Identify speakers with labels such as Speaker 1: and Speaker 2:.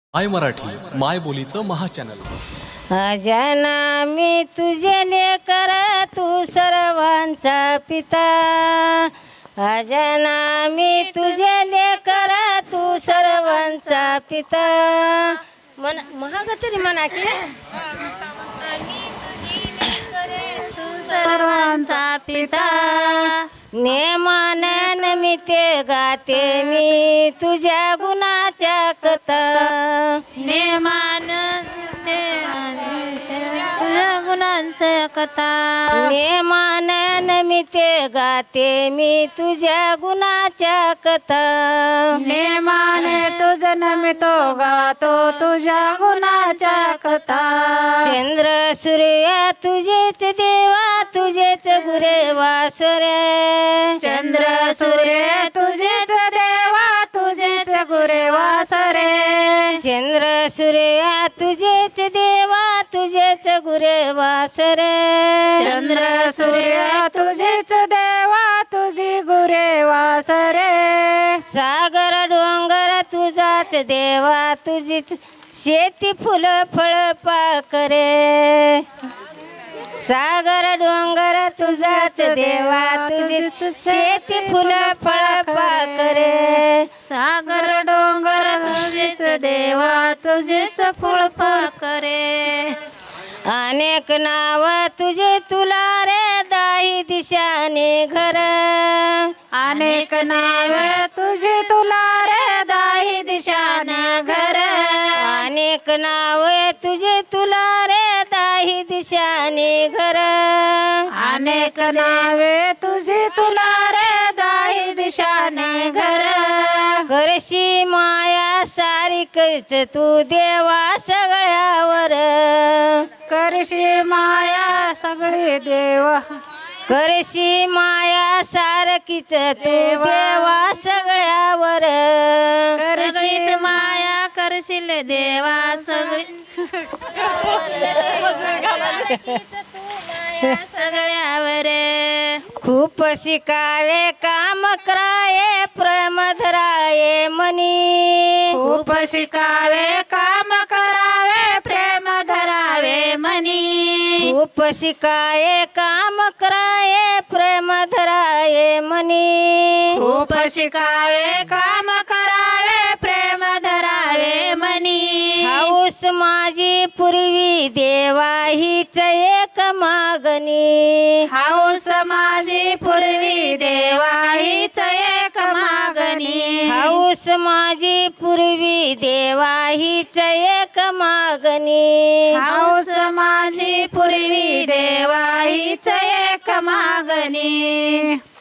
Speaker 1: माय मराठी माय बोलीचं महाचॅनल.
Speaker 2: अजना मी तुझे लेकर तू सर्वांचा पिता. अजना मी तुझे लेकर तू सर्वांचा पिता. मन महाग तरी म्हणा की
Speaker 3: सर्वांचा पिता.
Speaker 2: नेमानन मी ते गाते मी तुझ्या गुणाच्या कथा.
Speaker 3: नेमान गुणांचं कथा.
Speaker 2: नेमानन मी ते गाते मी तुझ्या गुणाच्या कथा.
Speaker 3: नेमाने तुझं नमितो गातो तुझ्या गुणाच्या कथा.
Speaker 2: चंद्र सूर्य तुझेच देवा तुझेच गुरे वासरे.
Speaker 3: चंद्र सूर्य तुझेच देवा तुझेच गुरे वासरे.
Speaker 2: चंद्र सूर्य तुझेच देवा तुझेच गुरे वासरे.
Speaker 3: चंद्र सूर्य तुझेच देवा तुझी गुरे वासरे.
Speaker 2: सागर डोंगर तुझाच देवा तुझीच शेती फुल फळ पाकरे. सागर डोंगर तुझाच देवा तुझीच शेती फुल फळ पाकरे.
Speaker 3: सागर डोंगर तुझेच देवा तुझेच फुल पाकरे.
Speaker 2: अनेक नाव तुझे तुला रे दाही दिशाने घर.
Speaker 3: अनेक नावे तुझी तुला रे दाही दिशान घर.
Speaker 2: अनेक नाव तुझे तुला रे दाही दिशाने घर.
Speaker 3: अनेक नावे तुझी तुला रे दाही दिशान घर.
Speaker 2: करशी माया सारिकच तू देवा सगळ्यावर.
Speaker 3: करशी माया सगळी देवा.
Speaker 2: करशी माया सारखीच तू देवा सगळ्यावर.
Speaker 3: सगळीच माया करशील देवा सगळी. सगळ्यावर.
Speaker 2: खूप शिकावे काम कराये प्रेम धराये मनी.
Speaker 3: खूप शिकावे काम करावे प्रेम धरावे मनी.
Speaker 2: खूप शिकाये काम कराये प्रेम धराये मनी.
Speaker 3: खूप शिकावे काम करावे प्रेम धरावे मनी.
Speaker 2: हाऊस माझी पूर्वी देवा हीच एक मागणी.
Speaker 3: हाऊस माझी पूर्वी देवा हीच एक मागणी.
Speaker 2: हाऊस माझी पूर्वी देवा हीच एक मागणी.
Speaker 3: हाऊस माझी पूर्वी देवा हीच एक मागणी.